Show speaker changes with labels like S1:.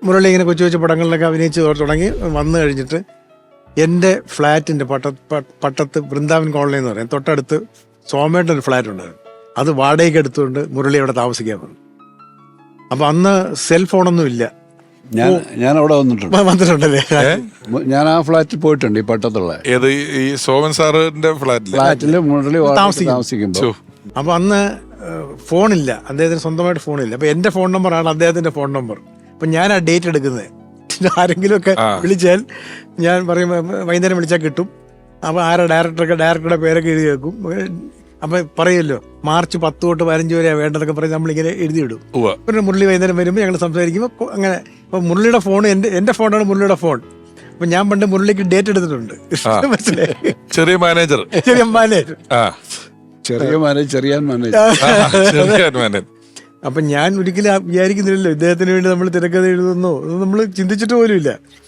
S1: മുരളി ഇങ്ങനെ കൊച്ചു കൊച്ചു പടങ്ങളിലൊക്കെ അഭിനയിച്ച് തുടങ്ങി വന്നു കഴിഞ്ഞിട്ട് എൻ്റെ ഫ്ലാറ്റിൻ്റെ പട്ടത്ത് വൃന്ദാവൻ കോളനി എന്ന് പറയും, തൊട്ടടുത്ത് സോമേട്ടൻ്റെ ഒരു ഫ്ലാറ്റ് ഉണ്ടായിരുന്നു. അത് വാടകയ്ക്ക് എടുത്തുകൊണ്ട് മുരളി അവിടെ താമസിക്കാൻ വന്നു. അപ്പം അന്ന് സെൽ ഫോണൊന്നും ഇല്ല.
S2: ഞാൻ അവിടെ
S1: വന്നിട്ടുണ്ടല്ലേ?
S2: ഞാൻ ആ ഫ്ലാറ്റിൽ പോയിട്ടുണ്ട്, ഈ പട്ടത്തുള്ള.
S3: ഏത് ഈ സോമൻ സാറിന്റെ
S2: ഫ്ലാറ്റില് മുരളി താമസിക്കുമ്പോൾ.
S1: അപ്പം അന്ന് ഫോണില്ല, അദ്ദേഹത്തിന് സ്വന്തമായിട്ട് ഫോണില്ല. അപ്പം എൻ്റെ ഫോൺ നമ്പറാണ് അദ്ദേഹത്തിൻ്റെ ഫോൺ നമ്പർ. അപ്പം ഞാൻ ആ ഡേറ്റ് എടുക്കുന്നത്. ആരെങ്കിലുമൊക്കെ വിളിച്ചാൽ ഞാൻ പറയും വൈകുന്നേരം വിളിച്ചാൽ കിട്ടും. അപ്പോൾ ഡയറക്ടറുടെ പേരൊക്കെ എഴുതി വെക്കും. അപ്പം പറയുമല്ലോ മാർച്ച് 10 തൊട്ട് 15 വരെയാണ് വേണ്ടതൊക്കെ പറഞ്ഞ് നമ്മളിങ്ങനെ എഴുതിയിടും. പിന്നെ മുരളി വൈകുന്നേരം വരുമ്പോൾ ഞങ്ങൾ സംസാരിക്കുമ്പോൾ അങ്ങനെ. അപ്പം മുരളിയുടെ ഫോൺ എൻ്റെ ഫോണാണ് മുരളിയുടെ ഫോൺ. അപ്പം ഞാൻ പണ്ട് മുരളിക്ക് ഡേറ്റ് എടുത്തിട്ടുണ്ട്. മനസ്സിലായി?
S3: ചെറിയ മാനേജർ.
S1: അപ്പം ഞാൻ ഒരിക്കലും വിചാരിക്കുന്നില്ലല്ലോ ഇദ്ദേഹത്തിന് വേണ്ടി നമ്മൾ തിരക്കഥ എഴുതുന്നോ, നമ്മൾ ചിന്തിച്ചിട്ട് പോലും ഇല്ല.